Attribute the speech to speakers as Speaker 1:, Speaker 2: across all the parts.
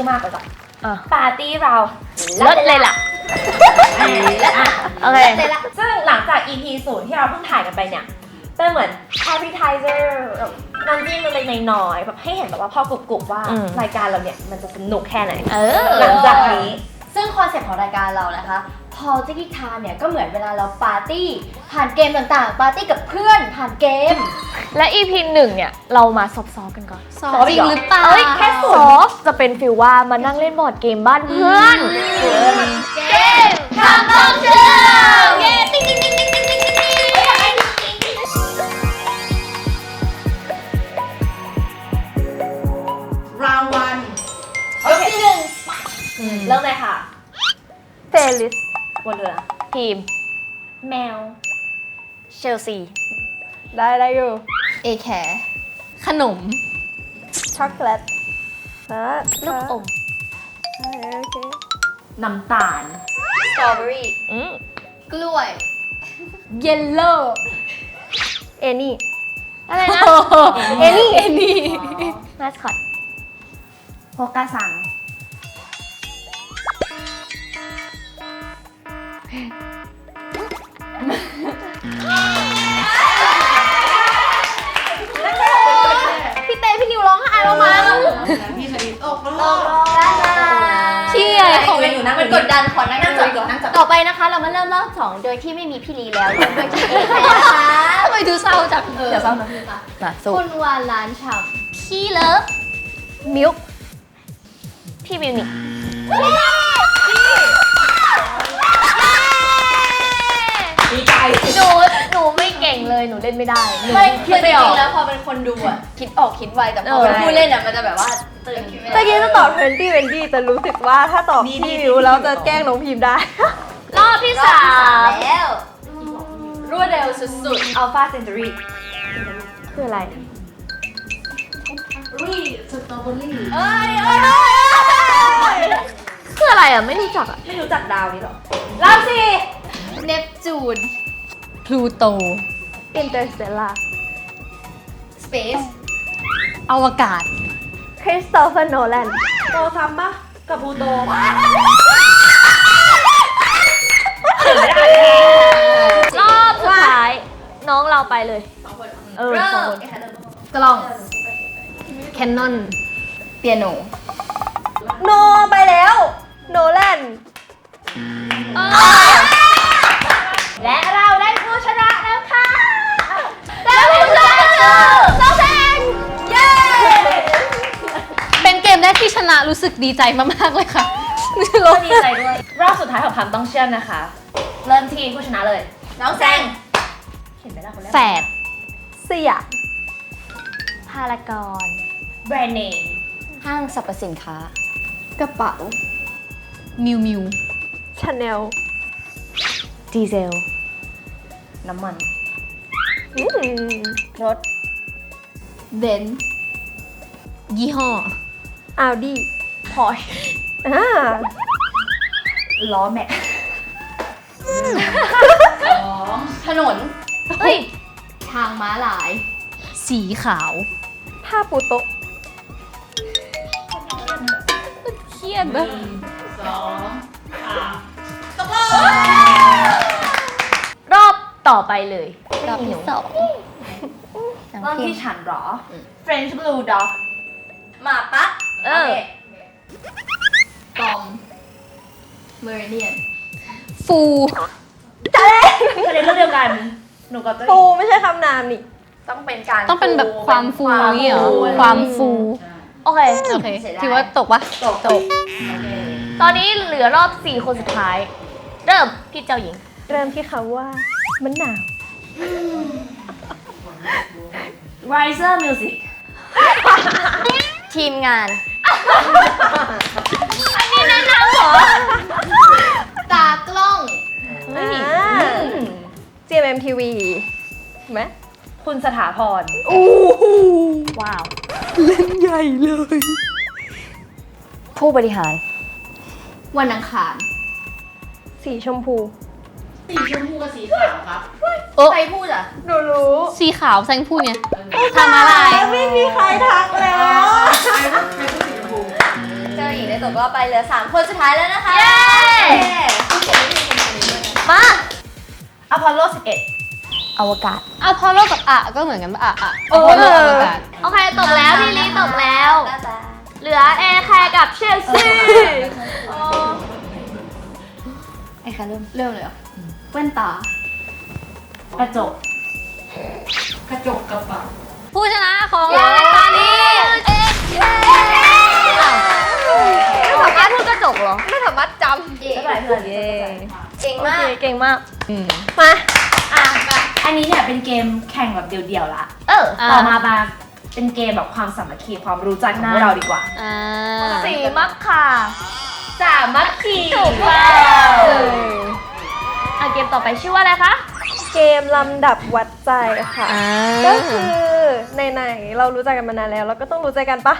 Speaker 1: อมากเลยจ้ะปาร์ตี้เรา
Speaker 2: ลดเลยล่ะโอเค
Speaker 1: ซึ่งหลังจาก EP 0ที่เราเพิ่งถ่ายกันไปเนี่ยเป็นเหมือน appetizer น้ำจิ้มเล็กๆน้อยๆแบบให้เห็นแบบว่าพอกรุบๆว่ารายการเราเนี่ยมันจะสนุกแค่ไหนหลังจากนี้
Speaker 3: ซึ่งคอนเซ็ปต์ของรายการเรานะคะพอจิกิทาเนี่ยก็เหมือนเวลาเราปาร์ตี้ผ่านเกมต่างๆปาร์ตี้กับเพื่อนผ่านเกม
Speaker 2: และ EP 1เนี่ยเรามาซอฟๆกันก่อน
Speaker 3: ซอฟจริงหรือเปล่า
Speaker 2: แค่ซอฟจะเป็นฟีลว่ามานั่งเล่นบอร์ดเกมบ้านเพื่อน
Speaker 3: เกมทำต้องเชื่อเกมติ๊งติ๊งติ๊งติ๊งติ๊งติ๊งติ๊ง
Speaker 1: ราววันโอเคที่1เริ่มเลยค่ะ
Speaker 2: เฟลิส
Speaker 1: บนเรือ
Speaker 2: ทีม
Speaker 1: แมว
Speaker 2: เชลซีได้อยู่
Speaker 3: เอแคร์ขนม
Speaker 2: ช็อกโกแลตลูกอมโอเค
Speaker 1: น้ำตาล
Speaker 3: สตรอเบอรี่กล้วยเยลโล่
Speaker 2: เอนี่อะไรนะเอนี่มาสคอต
Speaker 1: โฮกาซัง
Speaker 3: พี่เต้พี่นิวร้องไห้แล้วมั้ง
Speaker 1: พี่ชลิดตก
Speaker 3: ที่อะไรของมันกดดันขอนั่งจับ
Speaker 2: ต่อไปนะคะเรามาเริ่มรอบ2โดยที่ไม่มีพี่ลีแล้วโดยที่เอแคร์
Speaker 3: นะคะทำไมดูเศร้าจัง
Speaker 1: เดี๋ยวเศร้านะพี่
Speaker 2: มาสู้
Speaker 3: คุณวานล้านฉ่ำพี่เลิฟ
Speaker 2: มิลค์พี่มิวนิก
Speaker 1: ดีใจ
Speaker 2: หนูไม่เก่งเลยหนูเล่นไม่ได้
Speaker 3: ไม่คิดไม่ออกแล้วพอเป็นคนดูอ่ะคิดออกคิดไวแต่พอเป็นผู้เล่นอ่ะมันจะแบบว่าตื่น
Speaker 2: ตะกี้จะตอบ20 จะรู้สึกว่าถ้าตอบพี่มิวแล้วจะแกล้งน้องพิมพ์ได้
Speaker 3: รอบที่3แล้ว
Speaker 1: รวดเร็วสุดๆ Alpha Century
Speaker 2: คืออะไร
Speaker 1: สตรอเบอรี่
Speaker 2: คืออะไรอ่ะไม่รู้จักอ่ะ
Speaker 1: ไม่รู้จักดาวนี้หรอรอบ4
Speaker 3: เนปจูน
Speaker 2: พลูโตอินเตอร์สเตลล่า
Speaker 3: สเปซ
Speaker 2: อวกาศคริสโตเฟอร์โนแลน
Speaker 1: โตซ้ำปะกับพลูโต
Speaker 2: รอบสุดท้ายน้องเราไปเลย2 คน
Speaker 3: กล้องแคนนอนเปียโน
Speaker 2: โนไปแล้วโนแลน
Speaker 1: และเราได้ผู้ชนะแล้วค่ะ
Speaker 3: แล้วผู้ชนะคือโซเซนเย้เป็นเกมแรกที่ชนะรู้สึกดีใจมากๆเลยค่ะ
Speaker 1: ก็ดีใจด้วยรอบสุดท้ายของคำต้องเชื่อมนะคะเริ่มที่ผู้ชนะเลยน้องแซงเห็นไหมล่ะคนแรก
Speaker 2: แฝดสยามพารากอน
Speaker 1: แบรนด์เนม
Speaker 3: ห้างสรรพสินค้า
Speaker 2: กระเป๋า
Speaker 3: มิวมิว
Speaker 2: ชาแนลดีเซล
Speaker 1: น้ำมัน
Speaker 2: รถ
Speaker 3: เบนซ์ยี่ห้อ
Speaker 2: อัลดี้พอร์ช
Speaker 1: ล้อแม็ก
Speaker 3: ถนนเฮ้ยทางม้าลายสีขาว
Speaker 2: ผ้าปูโต๊ะ
Speaker 3: เครียดนะ
Speaker 2: รอบต่อไปเลย
Speaker 3: รอบที่2
Speaker 1: รอบที่ฉันหรอ French Blue Dog หมาปั๊ก
Speaker 3: ปอมเมอริเดียนฟู
Speaker 1: ประเด็นเรื่องเดียวกันหนูกับ
Speaker 2: ฟูไม่ใช่คำนามนี่
Speaker 1: ต้องเป็นการ
Speaker 3: ต้องเป็นแบบความฟูนี่เหรอความฟู
Speaker 2: โอเค
Speaker 3: ถือว่าตกปะ
Speaker 1: ตก
Speaker 2: ตอนนี้เหลือรอบ4 คนสุดท้ายเริ่มพี่เจ้าหญิงเริ่มที่คำว่ามันหนาว
Speaker 1: Riser Music
Speaker 2: ทีมงานอันนี้แนะนำเหรอ
Speaker 3: ตากล้อง
Speaker 2: GMMTV ไหม
Speaker 1: คุณสถาพร
Speaker 2: ว้าว
Speaker 3: เล่นใหญ่เลย
Speaker 2: ผู้บริหาร
Speaker 3: วันอังคาร
Speaker 2: สีชมพู
Speaker 1: สีชมพูกับสีขาวครับ
Speaker 3: ใครพูดอ่ะ
Speaker 2: หนูรู้
Speaker 3: สีขาวแซงพูดไงทำอะไร
Speaker 2: ไม่มีใครทักแล้ว
Speaker 1: ใครพูดสีชมพู
Speaker 3: เจ้าหญิงได้
Speaker 1: ว่าไปเหลือ3คนสุดท้ายแล้วนะคะ
Speaker 2: เย้ มา
Speaker 1: อพอลโล 11
Speaker 2: อวกาศ
Speaker 3: อะพอโลกับอะก็เหมือนกันปะอะ
Speaker 1: เออ
Speaker 3: พอโลอวกาศ
Speaker 2: โอเคตกแล้วพี่ลีตกแล้ว เหลือแอร์แคร์กับเชลซี
Speaker 3: ไอ้ค่ะเริ่มเลยเหรอแว่นตา
Speaker 1: กระจก
Speaker 4: กระจกกระเป๋า
Speaker 3: ผู้ชนะของรายการนี้
Speaker 2: ไม่สามารถพูดกระจกเหรอ
Speaker 3: ไม่สามารถจ
Speaker 1: ไม่เป็นไรเพื่อน
Speaker 3: ำ
Speaker 1: เก่ง
Speaker 2: โอ
Speaker 1: มาก
Speaker 2: เคเก่งมาก
Speaker 1: มาอันนี้เนี่ยเป็นเกมแข่งแบบเดี่ยวๆละ ต่อมาเป็นเกมแบบความสามัคคีความรู้ใจของพวกเราดีกว่า
Speaker 3: อ่า
Speaker 2: สีมักค่ะ
Speaker 1: สามัคคี
Speaker 2: ถูกค่ะเกมต่อไปชื่อว่าอะไรคะ
Speaker 5: เกมลำดับวัดใจค่ะ ก็คือไหนๆเรารู้จักกันมานานแล้วเราก็ต้องรู้ใจกันปะ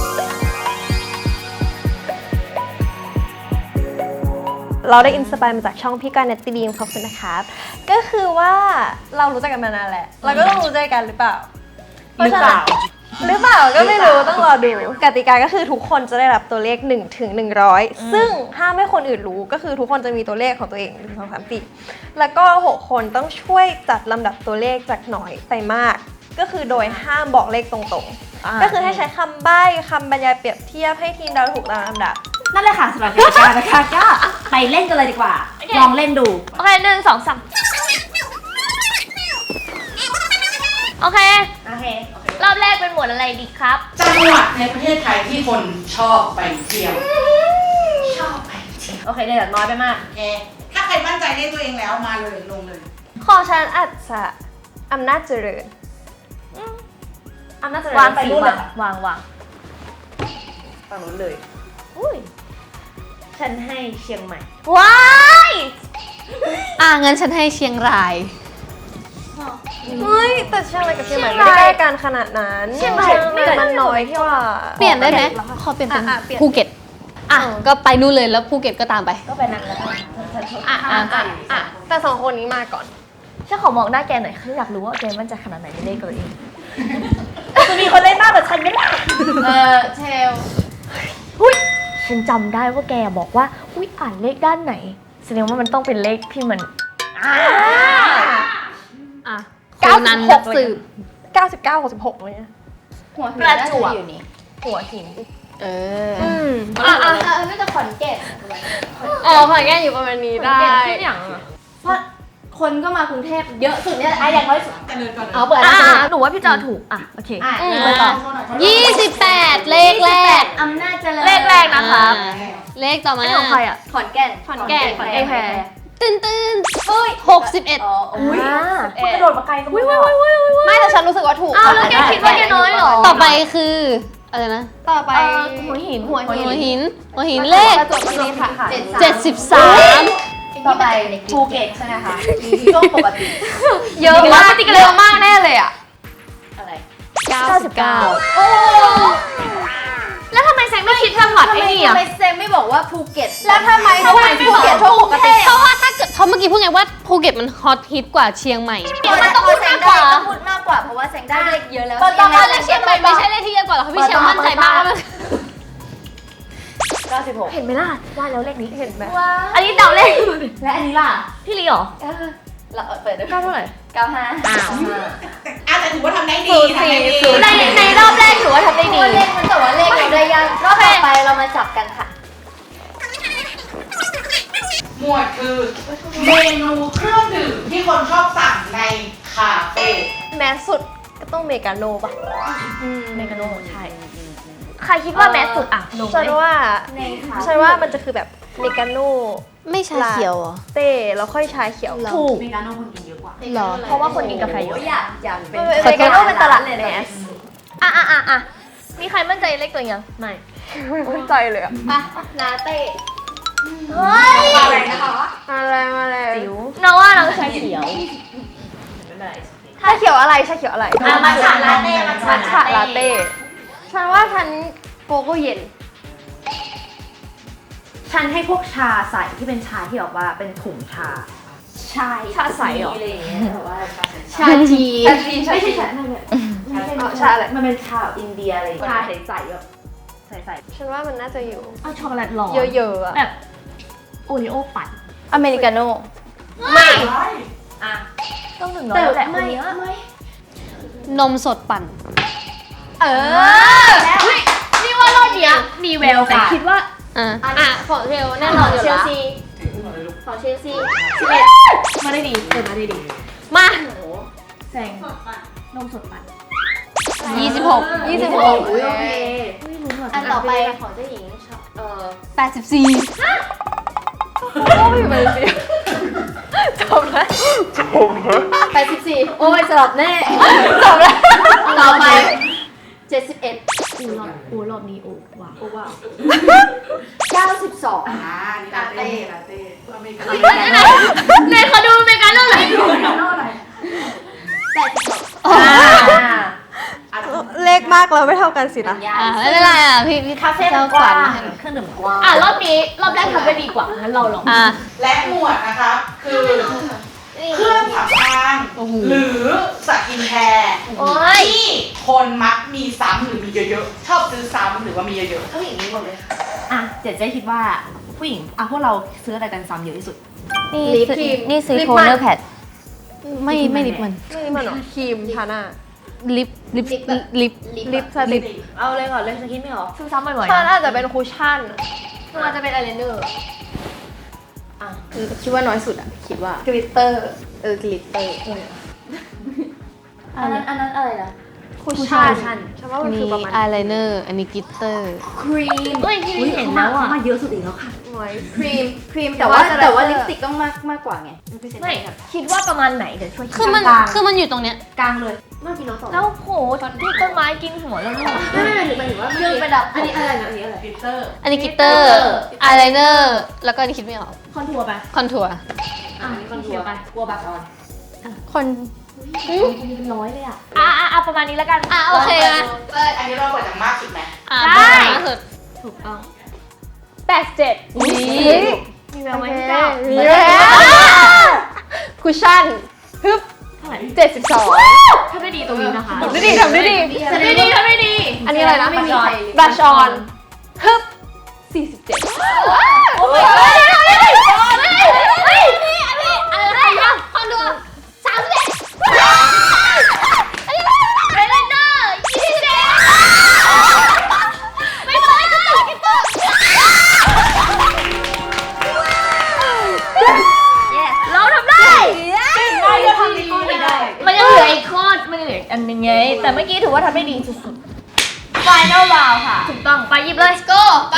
Speaker 5: เราได้อินสปายมาจากช่องพี่การเนตตี้ดีมขอบคุณนะครับ ก็คือว่าเรารู้จักกันมานานแหละเราก็ต้องรู้ใจกันหรือเปล่า
Speaker 1: หรือเปล่า
Speaker 5: หรือเปล่าก็ไม่รู้ต้องรอดูกติกาก็คือทุกคนจะได้รับตัวเลข1ถึง100ซึ่งห้ามให้คนอื่นรู้ก็คือทุกคนจะมีตัวเลขของตัวเอง1 2 3 4แล้วก็6คนต้องช่วยจัดลำดับตัวเลขจากน้อยไปมาก ก็คือโดยห้ามบอกเลขตรงๆก็คือให้ใช้คำใบ้คำบรรยายเปรียบเทียบให้ทีมเราถูกตามลำดับ
Speaker 1: นั่นเลยค่ะสำหรับกติกานะคะก็ไปเล่นกันเลยดีกว่า ลองเล่นดู
Speaker 2: โอเค1 2 3โอเค
Speaker 1: โอเค
Speaker 2: รอบแรกเป็นหมวดอะไรดีครับ
Speaker 4: จังหวัดในประเทศไทยที่คนชอบไปเที่ยว ชอบไปเที่ยว
Speaker 1: โอเคเลยน้อยไปมาก
Speaker 4: โอเคถ้าใครมั่นใจในตัวเองแล้วมาเลยลงเลย
Speaker 5: ของฉันอาจจะอำนาจเจริญ
Speaker 1: อำนาจเจริญ
Speaker 2: วาง
Speaker 1: ไป
Speaker 2: สี
Speaker 1: รุ่นเล
Speaker 2: วาย ง
Speaker 1: ค่ะ
Speaker 2: วาง
Speaker 1: ฝั่งนู้นเลย
Speaker 2: อุ้ย
Speaker 1: ฉันให้เชียงใหม่
Speaker 2: ว้าย
Speaker 3: งั้นฉันให้เชียงราย
Speaker 5: เฮ้ยแต่เชียงรายกับเชียงใหม่ไม่ได้ใกล้กันขนาดนั้น
Speaker 1: เชียงราย
Speaker 5: มันน้อยกว่า
Speaker 3: เปลี่ยนได้ไหมขอเปลี่ยนเป็น
Speaker 5: เปลี่ยน
Speaker 3: ภูเก็ตก็ไปนู่นเลยแล้วภูเก็ตก็ตามไป
Speaker 1: ก็ไปนั่งแล้วกันฉันชอบ
Speaker 5: แต่สองคนนี้มาก่อน
Speaker 2: ฉันขอมองหน้าแกหน่อยคืออยากรู้ว่าแกมั่นใจขนาดไหนในเลขตัวเอง
Speaker 1: จะมีคนเล่นมากกว่าฉันไหมล่ะ
Speaker 3: เชล
Speaker 2: หุ้ยฉันจำได้ว่าแกบอกว่าอุ้ยอ่านเลขด้านไหนแสดงว่ามันต้องเป็นเลขที่มัน
Speaker 3: คนนั้นนักสืบ
Speaker 5: 99 66เลยนะ
Speaker 3: หัวหิน
Speaker 2: ประจวบ
Speaker 3: อยู่นี่
Speaker 2: หัวหิน
Speaker 3: ไม่จะขอนแก่น
Speaker 5: ขอนแก่นอยู่ประมาณนี้ได้
Speaker 2: ชื่ออย่างอะ
Speaker 3: เพราะคนก็มากรุงเทพเยอะสุดเนี่ย
Speaker 1: อย่างน้อยสุด
Speaker 4: จะเดินก่อนเลย
Speaker 3: เอาเปิด
Speaker 2: หนูว่าพี่จอถูกโอเค
Speaker 3: ไปต่อ28 เลขแรก
Speaker 1: อำนาจเจริญ
Speaker 2: เลขแรกนะครับ
Speaker 3: เลขต่อมา
Speaker 2: ไม่ของใครอ่ะ
Speaker 1: ขอนแก่น
Speaker 2: ขอนแก่นขอนแก่นแพร
Speaker 3: ตื้น61
Speaker 1: อุ้ยคุณกระโดดมาไกลก็ไม่ได้
Speaker 3: ไม่แต่ฉันรู้สึกว่าถูก
Speaker 2: อ้าวแล้วแกคิดว่าแกน้อยเหรอ
Speaker 3: ต่อไปคืออะไรนะ
Speaker 5: ต่อไป
Speaker 2: หัวหิน
Speaker 3: หัวหินเลข
Speaker 1: กระจกนี้ค่ะ
Speaker 3: 73
Speaker 1: ต่อไปภูเก็ตใช่ไหมคะช่วงปกติ
Speaker 3: เยอะมากเยอะมากแน่เลยอ่ะ
Speaker 1: อะไร
Speaker 3: 99
Speaker 2: แล้วทำไมแซงไม่คิดจังหวัดไอ้นี่อ่ะ
Speaker 1: ทำไมเซมไม่บอกว่าภูเก็ต
Speaker 3: แล้วทำไม
Speaker 1: ภูเก็ตช่วงปกติ
Speaker 3: เพราะว่าถ้าเกิดเพราะเมื่อกี้พูดไงว่าภูเก็ตมันฮอตฮิตกว่าเชียงใหม่
Speaker 1: มันต้องพูดมากกว่าต้องพูดมากกว่าเพราะว่าแซงได้เลขเยอะแล้ว
Speaker 3: ตอนแรกเชียงใหม่ไม่ใช่เลขที่เยอะกว่าหรอกพี่เชียงมั่นใจมากว่ามัน
Speaker 1: 96
Speaker 2: เห็นไหมล่ะว่าแล้วเลขนี้
Speaker 5: เห็นไหม
Speaker 2: อันนี้เดาเลข
Speaker 1: และอันนี้ล่ะ
Speaker 2: พี่ลีเหรอ
Speaker 1: เราเปิดด้วย
Speaker 2: เก้าเท่าไหร่
Speaker 1: 95
Speaker 4: แต่ถือว่าทำได้ดีทำได้ดี
Speaker 2: ในรอบแรกถือว่าทำได้ดี
Speaker 1: เลขมันแต่ว่าเลขเราได้ยังรอบต่อไปเรามาจับกันค่ะ
Speaker 4: หมวดคือเมนูเครื่องดื่มที่คนชอบสั่งในคาเฟ่
Speaker 5: แมสสุดก็ต้องเมกาโนป่ะ
Speaker 2: เมกาโนใช่ ใครคิดว่าแมสสุดอ่ะลง
Speaker 5: ฉัน
Speaker 2: เลย
Speaker 5: ว่า
Speaker 1: ในค่ะ
Speaker 5: ฉันว่ามันจะคือแบบเมกาโน
Speaker 3: ไม่ชาเขียวเหรอ
Speaker 5: เต้แล้วค่อยชาเขียว
Speaker 2: ถูก
Speaker 4: มีการน้องคนกินเยอะกว่า
Speaker 3: หรอ
Speaker 2: เพราะว่าคนกินกาแฟเยอะ
Speaker 1: อยากเป็น
Speaker 5: เมกาโนเป็นตลาดแมส
Speaker 2: อ่ะมีใครมั่นใจเลขตัวยังไม่
Speaker 5: ไม่มั่นใจเลยอะ
Speaker 1: ลาเต้
Speaker 2: เฮ้ย
Speaker 4: อะไรนะคะ
Speaker 5: อะไรมาแล้ว
Speaker 2: จิ๋วเราว่าเราชาเขียว
Speaker 5: ชาเขียวอะไรชาเขียวอะไร
Speaker 1: มัทฉะลาเต้
Speaker 5: มัทฉะลาเต้ฉันว่าฉันโกโก้เย็น
Speaker 1: ฉันให้พวกชาใส่ที่เป็นชาที่แบบว่าเป็นถุงชา
Speaker 2: ชาใสเหรอ
Speaker 1: อะไรอย่างเงี้ยแบบว่า
Speaker 3: ชาจี
Speaker 1: ไม่ใช่ชานั่นเนี่ย
Speaker 5: ชาอะไร
Speaker 1: มันเป็นชาอินเดียอะไรชาใสๆแบบใส่
Speaker 5: ฉันว่ามันน่าจะอยู่
Speaker 2: เอาช็อกโกแลตร้อน
Speaker 5: เยอะๆอะ
Speaker 2: แบบโอริโอปั่น
Speaker 3: อเมริกาโน่
Speaker 2: ไม่
Speaker 1: อ่ะ
Speaker 2: ต้อง100แหละคนเนี้ย
Speaker 3: นมสดปั่น
Speaker 2: เฮ้ยนี่ว่ารอบเนี้ยมีแววแต่คิดว่า
Speaker 3: ของเทลแน่นอนอยู่
Speaker 2: เชล
Speaker 3: ละ
Speaker 2: ซีของเชลซี11มาได้ดีเปิดมาได้ดี
Speaker 3: มา
Speaker 2: แซงนมสดปั่น
Speaker 3: 26
Speaker 2: โอเค
Speaker 3: อันต่อไปของเจ้าหญิง84
Speaker 5: ก็ไม่เป็นสิจบแล้ว
Speaker 3: 84 โอ้ยสลับแน่จบแล้วต่อไป 71
Speaker 2: รอบนี้ว้าว
Speaker 3: 92
Speaker 4: อ่านี่ลาเต้อเมริกา
Speaker 2: ไหนขอดูเมกาโน่หน่อย
Speaker 5: เลขมากเราไม่เท่ากันสินะ
Speaker 3: ไม่เป็นไรอ่ะพี่
Speaker 1: คาเฟ่มันกว้างเครื่องดื่มกว้าง
Speaker 2: รอบแรกทำได้ดีกว่างั้นเราลอง
Speaker 4: และหมวดนะคะคือเครื่องสำอางหรือสกินแคร์ที่คนมักมีซ้ำหรือมีเยอะๆชอบซื้อซ้ำหรือว่ามีเยอะๆอย่างนี้หมดเลยค่ะ
Speaker 1: อ่ะเจ๊คิดว่าผู้หญิงพวกเราซื้ออะไรกันซ้ำเยอะที่สุด
Speaker 3: นี่ซื้อโทนเนอร์แพดไม่ลิปมัน
Speaker 5: ไม่มันหรอครีมทาหน้า
Speaker 3: ลิป
Speaker 5: ลิปสติก
Speaker 1: เอาเลยก่อนเลยฉันคิดไม่ออก
Speaker 2: ซื้อซ้ำบ่อย
Speaker 5: ฉันอาจจะเป็นคุชชั่น
Speaker 2: ๆมันจะเป็นอายไลเนอร์
Speaker 3: คือคิดว่าน้อยสุดอ่ะ คิดว่าก
Speaker 5: ลิตเตอร์
Speaker 3: กลิตเตอร์
Speaker 2: อันนั้นอะไรนะ
Speaker 5: คุชชั่นฉันว่ามันคือประมาณ
Speaker 3: อายไลเนอร์อันนี้กลิตเตอร์
Speaker 2: ครีมเฮ้ยที่เห็นแล้วอ่ะ
Speaker 1: มาเยอะสุดอีกแล้วค่ะ
Speaker 5: หน่วย
Speaker 3: ครีมแต่ว่าลิปสติกต้องมากกว่าไง
Speaker 2: ไม่คิดว่าประมาณไหนเดี๋ยวช่วยคิด
Speaker 3: คือมันอยู่ตรงเนี้ย
Speaker 1: กลางเลย
Speaker 2: แล้วโหที่ต้นไม้กินหัวแล้วลูก
Speaker 3: เรื่องประดับ
Speaker 4: กลิตเตอร์
Speaker 3: อันนี้กลิตเตอร์อายไลเนอร์แล้วก็อันนี้คิดไม่ออก
Speaker 2: คอนทัวร์ไป
Speaker 3: คอนทัวร์
Speaker 2: คอนทัวร์ไปกลัวบัตรออน
Speaker 3: คน
Speaker 2: มีเป็นร้อยเลยอ่ะประมาณนี้แล้วกัน
Speaker 3: โอเคนะ
Speaker 4: อันนี้เราเปิดจากมากสุดไหม
Speaker 2: ได้
Speaker 3: สุด
Speaker 2: ถูกต้อง87มีแววไหมพี่เจ้า
Speaker 5: มีแล้วคุชชั่นฮึบ72
Speaker 2: ทำได้ดีตรงนี้นะคะ
Speaker 5: ทำได้ดี
Speaker 2: ทำได้ดี
Speaker 5: อันนี้อะไรนะ
Speaker 2: ไม่มีใคร
Speaker 5: บลัชออนฮึบ47
Speaker 2: โอ้ยอะไรนะคอนทัวร์31ไอไลเนอร์27ไม่เป็นไรกิตเตอร์เราทำได้เราทำได้มันยังเหลืออีกข้อมันยังเหลืออีกอันนึงไงแต่เมื่อกี้ถือว่าทำได้ดีสุดๆ Final round ค่ะถูกต้องไปหยิบเลย go ไป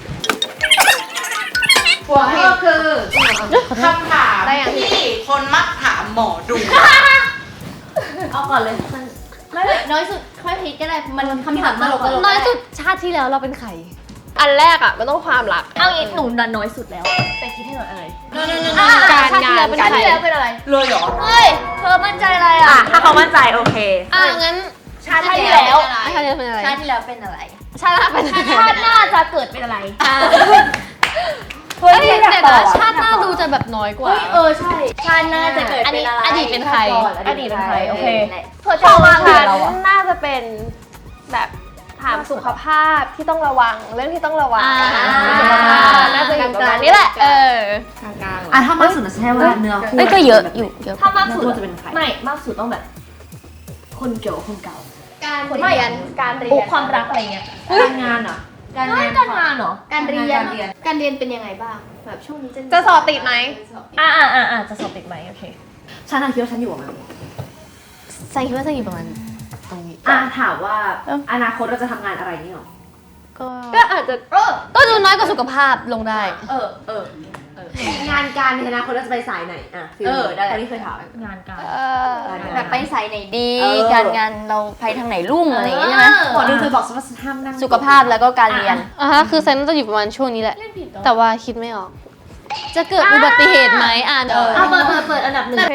Speaker 4: หัวข้อคือคำถามที่คนมักถามหมอดู
Speaker 1: เอาก่อนเลย
Speaker 2: น้อยสุดค่อยคิดก็ได้มันคำถามตลก
Speaker 3: น้อยสุดชาติที่แล้วเราเป็นใคร
Speaker 5: อันแรกอ่ะมันต้องความรัก
Speaker 2: เอางี้หนูดันน้อยสุดแล้วแต่คิดให้หน่อยอะไร
Speaker 3: การงาน
Speaker 2: ชาติที่แล้วเป็นอะไร
Speaker 4: เลยเหรอ
Speaker 2: เฮ้ยเธอมั่นใจอะไรอ่ะ
Speaker 1: ถ้าเขามั่นใจโอเค
Speaker 3: งั้น
Speaker 2: ชาติที่แล้ว
Speaker 3: ชาติที่แล้วเป็นอะไร
Speaker 2: ชาติที่แล้วเป็นอะไร
Speaker 3: ชาติหน้าเป็นอะไร
Speaker 2: ชาติหน้าจะเกิดเป็นอะไร
Speaker 5: เฮ้ย
Speaker 3: เดี๋
Speaker 5: อยาก
Speaker 3: ยว
Speaker 5: ตอ
Speaker 3: นะ
Speaker 5: บ
Speaker 3: ชาติหน้าดูจะแบบน้อยกว่า
Speaker 2: ใช่ชาติหน้าจะเกิดเป็นอะไร
Speaker 3: อดีตเป็นใคร
Speaker 2: อดีตเป็นใครโอเคเธอ
Speaker 5: ข
Speaker 2: จะ
Speaker 5: อง
Speaker 2: วาง
Speaker 5: ฉัน
Speaker 2: เราอะ
Speaker 5: น่าจะเป็นแบบถามสุขภาพที่ต้องระวังเรื่องที่ต้องระวังสุขภาพน่าจะอยู่ประมาณนี้แหละ
Speaker 1: ถ้ามากสุดจะใช่ว่าเนื้อคู่
Speaker 3: ก็เยอะอยู่เยอะ
Speaker 2: ถ้ามากสุด
Speaker 1: จะเป็นใคร
Speaker 2: ไม่มากสุดต้องแบบ คนเกี่ยวกับคนเก่า
Speaker 5: การเรียนการเรียน
Speaker 2: ความรักอะไรเงี้ย
Speaker 1: การงานเหรอ
Speaker 2: การงานเหรอ
Speaker 3: การเรียนเป็นยังไงบ้างแบบช่วงนี้
Speaker 5: จะสอบติดไหม
Speaker 2: จะสอบติดไหมโอเค
Speaker 1: ฉันคิดว่าฉันอยู่ประมาณ
Speaker 3: ใส่คิดว่าจะอยู่ประมาณตรงนี้
Speaker 1: ถามว่าอนาคตเราจะทำงานอะไรนี่หรอ
Speaker 5: ก็อาจจะ
Speaker 3: ก็ดูน้อยกว่าสุขภาพลงได้
Speaker 1: งานการในอนาคตเราจะไปสายไหนได้คนที่เคยถาม
Speaker 2: งานการ
Speaker 3: แบบไปสายไหนดี
Speaker 1: เออ
Speaker 3: การงานเราไปทางไหนรุ่งอะไรอย่างเงี้ยใช่ไหม
Speaker 1: หมอดูเคยบอกว่าห้ามนั่ง
Speaker 3: สุขภาพแล้วก็การเรียนคือเซนจะอยู่ประมาณช่วงนี้แหละ
Speaker 2: เล่นผิดเหรอ
Speaker 3: แต่ว่าคิดไม่ออก จะเกิดอุบัติเหตุไหมเดี๋ยว
Speaker 2: เปิดอันดับหนึ่ง
Speaker 5: โอเค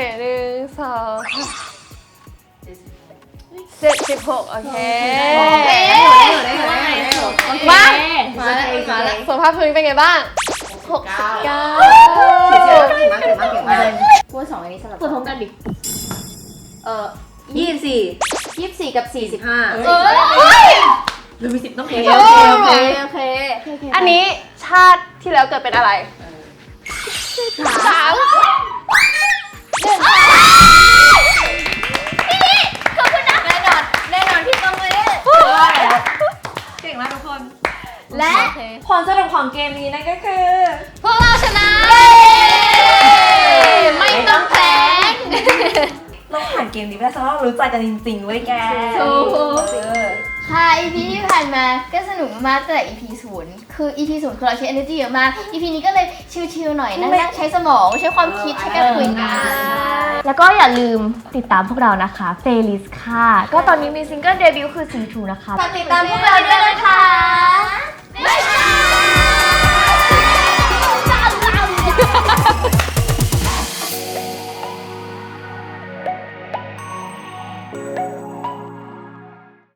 Speaker 5: 76โอเค
Speaker 2: มา
Speaker 5: มาแล้วสุขภาพพื้นเป็นไงบ้าง
Speaker 4: 9
Speaker 3: พูดสองอันนี้สลับ
Speaker 2: เปิดพร้อมกันดิ
Speaker 1: 24
Speaker 3: 24กับ45
Speaker 2: เฮ้ยหรือมีสิทธิ์ต้องแพ้
Speaker 3: โอเค อันนี้ชาติที่แล้วเกิดเป็นอะไร3
Speaker 2: ขอบคุณนะแน่นอนพี่ต้องเลย
Speaker 1: เก่งมากทุกคน
Speaker 2: และ
Speaker 1: ผลสรุปของเกมนี้นั่นก็คือ
Speaker 3: พวกเราชนะ ไม่ต้องแพ้ง
Speaker 1: เราผ่านเกมนี้ไปแล้วแสดงว่าเรารู้ใจกันจริงๆเว้ยแก
Speaker 2: ค่ะ EP ที่ผ่านมาก็สนุกมากตั้งแต่ EP 0คือ EP 0คือเราใช้ energy เยอะมาก EP นี้ก็เลยชิลๆหน่อยนั่งใช้สมองใช้ความคิดใช้การคุยกัน
Speaker 6: แล้วก็อย่าลืมติดตามพวกเรานะคะเฟลิสค่ะ ก็ตอนนี้มีซิงเกิลเดบิวต์คือซีทูนะคะ
Speaker 2: ฝากติดตามพวกเราด้วยนะคะบ๊ายบาย